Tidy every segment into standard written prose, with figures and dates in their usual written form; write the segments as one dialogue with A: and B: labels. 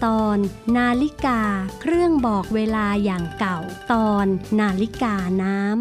A: ตอนนาฬิกาเครื่องบอกเวลาอย่างเก่าตอนนาฬิกาน้ำ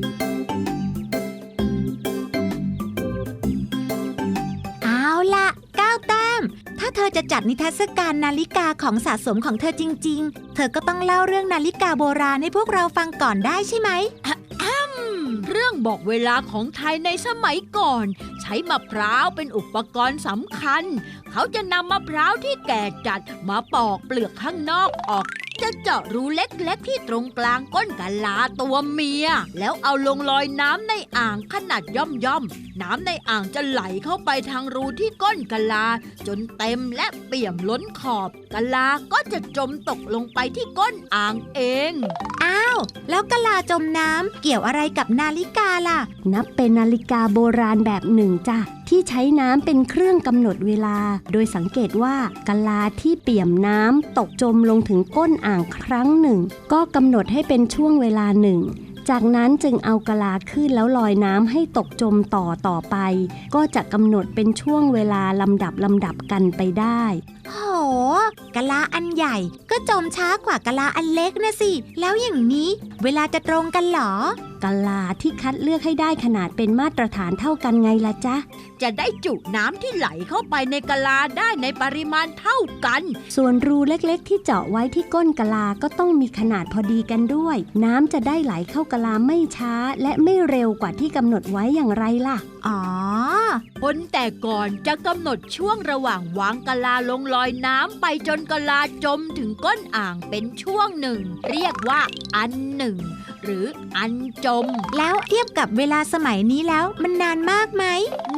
B: เอาล่ะ9 แต้มถ้าเธอจะจัดนิทรรศการนาฬิกาของสะสมของเธอจริงๆเธอก็ต้องเล่าเรื่องนาฬิกาโบราณให้พวกเราฟังก่อนได้ใช่ไหม
C: เรื่องบอกเวลาของไทยในสมัยก่อนใช้มะพร้าวเป็นอุปกรณ์สำคัญเขาจะนำมะพร้าวที่แก่จัดมาปอกเปลือกข้างนอกออกจะเจาะรูเล็กๆที่ตรงกลางก้นกะลาตัวเมียแล้วเอาลงลอยน้ำในอ่างขนาดย่อมๆน้ำในอ่างจะไหลเข้าไปทางรูที่ก้นกะลาจนเต็มและเปี่ยมล้นขอบกะลาก็จะจมตกลงไปที่ก้นอ่างเอง
B: อ้าวแล้วกะลาจมน้ำเกี่ยวอะไรกับนาฬิกาล่ะ
A: นับเป็นนาฬิกาโบราณแบบหนึ่งจ้ะที่ใช้น้ำเป็นเครื่องกำหนดเวลาโดยสังเกตว่ากะลาที่เปี่ยมน้ำตกจมลงถึงก้นอ่างครั้งหนึ่งก็กำหนดให้เป็นช่วงเวลาหนึ่งจากนั้นจึงเอากะลาขึ้นแล้วลอยน้ำให้ตกจมต่อไปก็จะกำหนดเป็นช่วงเวลาลำดับกันไปได้
B: โหกะลาอันใหญ่ก็จมช้ากว่ากะลาอันเล็กนะสิแล้วอย่างนี้เวลาจะตรงกันเหรอก
A: ะลาที่คัดเลือกให้ได้ขนาดเป็นมาตรฐานเท่ากันไงล่ะจ๊ะ
C: จะได้จุน้ำที่ไหลเข้าไปในกะลาได้ในปริมาณเท่ากัน
A: ส่วนรูเล็กๆที่เจาะไว้ที่ก้นกะลาก็ต้องมีขนาดพอดีกันด้วยน้ำจะได้ไหลเข้ากะลาไม่ช้าและไม่เร็วกว่าที่กำหนดไว้อย่างไรล่ะ
B: อ๋อ
C: คนแต่ก่อนจะกำหนดช่วงระหว่างวางกะลาลงลอยน้ำไปจนกะลาจมถึงก้นอ่างเป็นช่วงหนึ่งเรียกว่าอันหนึ่งหรืออันจม
B: แล้วเทียบกับเวลาสมัยนี้แล้วมันนานมากไหม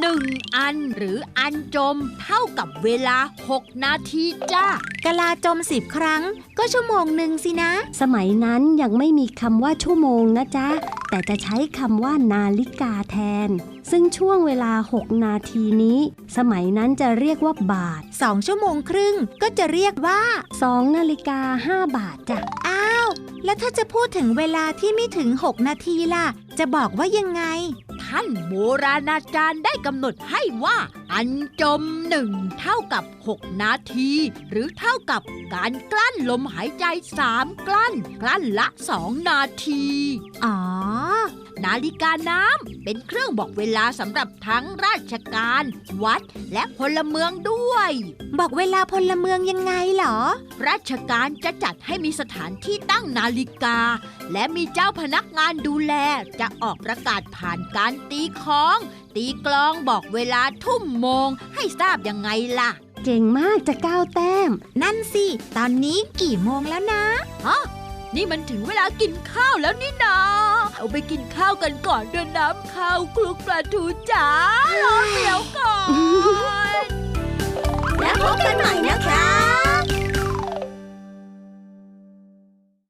C: 1 อันหรืออันจมเท่ากับเวลา6 นาทีจ้าก
B: ะลาจม10 ครั้งก็ชั่วโมงหนึ่งสินะ
A: สมัยนั้นยังไม่มีคำว่าชั่วโมงนะจ๊ะแต่จะใช้คำว่านาฬิกาแทนซึ่งช่วงเวลา6 นาทีนี้สมัยนั้นจะเรียกว่าบาท
B: 2 ชั่วโมงครึ่งก็จะเรียกว่า
A: 2 นาฬิกา5 บาทจ้ะ
B: อ้าวแล้วถ้าจะพูดถึงเวลาที่ไม่ถึง6 นาทีล่ะจะบอกว่ายังไง
C: ท่านโบราณอาจารย์ได้กำหนดให้ว่าอันจม1เท่ากับ6 นาทีหรือเท่ากับการกลั้นลมหายใจ3 กลั้นละ2 นาที
B: อ๋อ
C: นาฬิกาน้ำเป็นเครื่องบอกเวลาสำหรับทั้งราชการวัดและพลเมืองด้วย
B: บอกเวลาพลเมืองยังไงเหรอ
C: ราชการจะจัดให้มีสถานที่ตั้งนาฬิกาและมีเจ้าพนักงานดูแลจะออกประกาศผ่านการตีค้องตีกลองบอกเวลาทุ่มโมงให้ทราบยังไงล่ะ
A: เก่งมากจะ9 แต้ม
B: นั่นสิตอนนี้กี่โมงแล้วนะ
C: นี่มันถึงเวลากินข้าวแล้วนี่นาเอาไปกินข้าวกันก่อนเดินน้ำข้าวคลุกปลาทูจ๋ารอเดี๋ยวก่อนและพบ